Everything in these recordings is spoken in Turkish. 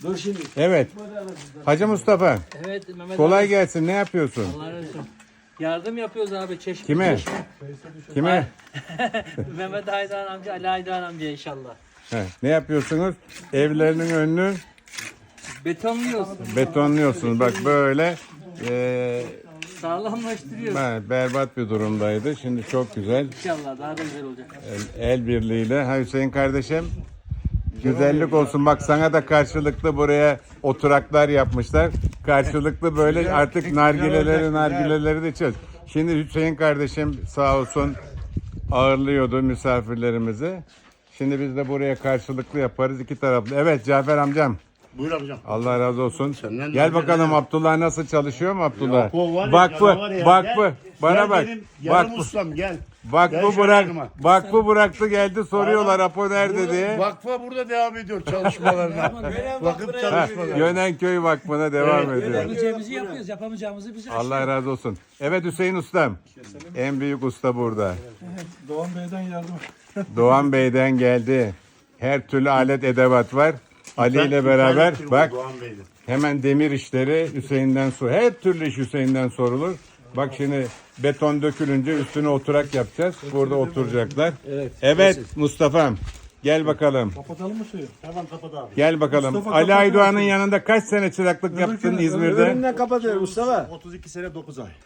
Dur şimdi. Evet. Hacı Mustafa. Evet Mehmet Kolay abi. gelsin. Ne yapıyorsun? Allah razı olsun. Yardım yapıyoruz abi çeşme. Kime? çeşme. Kime? Mehmet Aydoğan amca, Ali Aydoğan amca inşallah. Ne yapıyorsunuz? Evlerinin önünü Betonluyoruz. betonluyorsunuz. Bak böyle Sağlamlaştırıyoruz. berbat bir durumdaydı. Şimdi çok güzel. İnşallah daha da güzel olacak. El birliğiyle. Ha Hüseyin kardeşim. Güzellik olsun. Bak sana da karşılıklı buraya oturaklar yapmışlar. Karşılıklı böyle artık nargileleri de içiyoruz. Şimdi Hüseyin kardeşim sağ olsun ağırlıyordu misafirlerimizi. Şimdi biz de buraya karşılıklı yaparız iki taraflı. Evet Cafer amcam. Buyur amcam. Allah razı olsun. Senden Gel de bakalım ne? Abdullah nasıl çalışıyor mu Abdullah? Ya, o var ya, Vakfı, canavar ya. vakfı. Bana Gel bak. benim yarım Vakfı, ustam gel. Gel vakfı şöyle bırak. yanıma. Vakfı bıraktı geldi soruyorlar Apo nerede Burada, diye. Vakfa burada devam ediyor çalışmalarına. Vakıf Ha, çalışmaları. Yönenköy Vakfı'na devam Evet, ediyor. Yapabileceğimizi yapıyoruz, yapamayacağımızı bize Allah razı olsun. Evet Hüseyin ustam. En büyük usta burada. Doğan Bey'den yardım. Doğan Bey'den geldi. Her türlü alet edevat var. Ali ile beraber bak Doğan Bey'de. hemen demir işleri Hüseyin'den her türlü iş Hüseyin'den sorulur. Bak şimdi beton dökülünce üstüne oturak yapacağız. Burada oturacaklar. Evet Mustafa'm gel bakalım. Kapatalım mı suyu? Tamam kapat abi. Gel bakalım. Mustafa, Ali kapat Aydoğan'ın suyu. yanında kaç sene çıraklık yaptın İzmir'de? Önünden kapatıyor Mustafa. 32 sene 9 ay.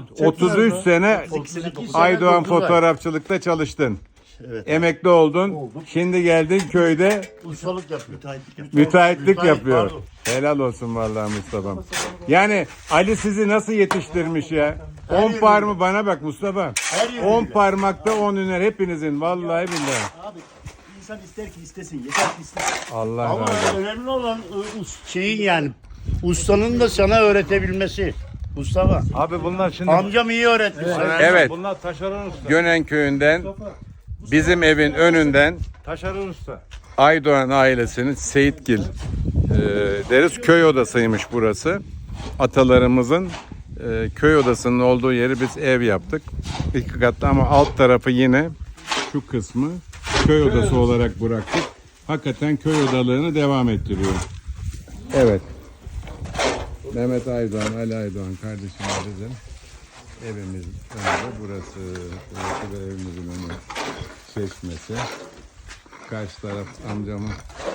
33 sene 32 sene 9 Aydoğan 9 ay. fotoğrafçılıkta çalıştın. Evet. Emekli oldun. Şimdi geldin köyde Ustalık yapıyor. Müteahhitlik yapıyor. müteahhitlik yapıyor. pardon. Helal olsun vallahi Mustafa'm. Yani Ali sizi nasıl yetiştirmiş ya? 10 yönüyle. parmağı bana bak Mustafa. Her yönüyle. 10 parmakta 10 hüner hepinizin vallahi billahi. Abi insan ister ki istesin. Yeter ki istesin. Allah Ama razı olsun. önemli olan şeyin yani ustanın da sana öğretebilmesi. Mustafa. Abi bunlar şimdi. Amcam iyi öğretti sana. Evet. Bunlar taşeron usta. Gönen köyünden bizim evin önünden Taşeron usta. Aydoğan ailesinin Seyitgil deriz köy odasıymış burası. Atalarımızın köy odasının olduğu yeri biz ev yaptık. İki katlı ama alt tarafı yine şu kısmı köy odası olarak bıraktık. Hakikaten köy odalığını devam ettiriyor. Evet. Mehmet Aydoğan, Ali Aydoğan kardeşimizin evimiz önünde burası. Burası da evimizin önü çeşmesi. Karşı taraf amcamın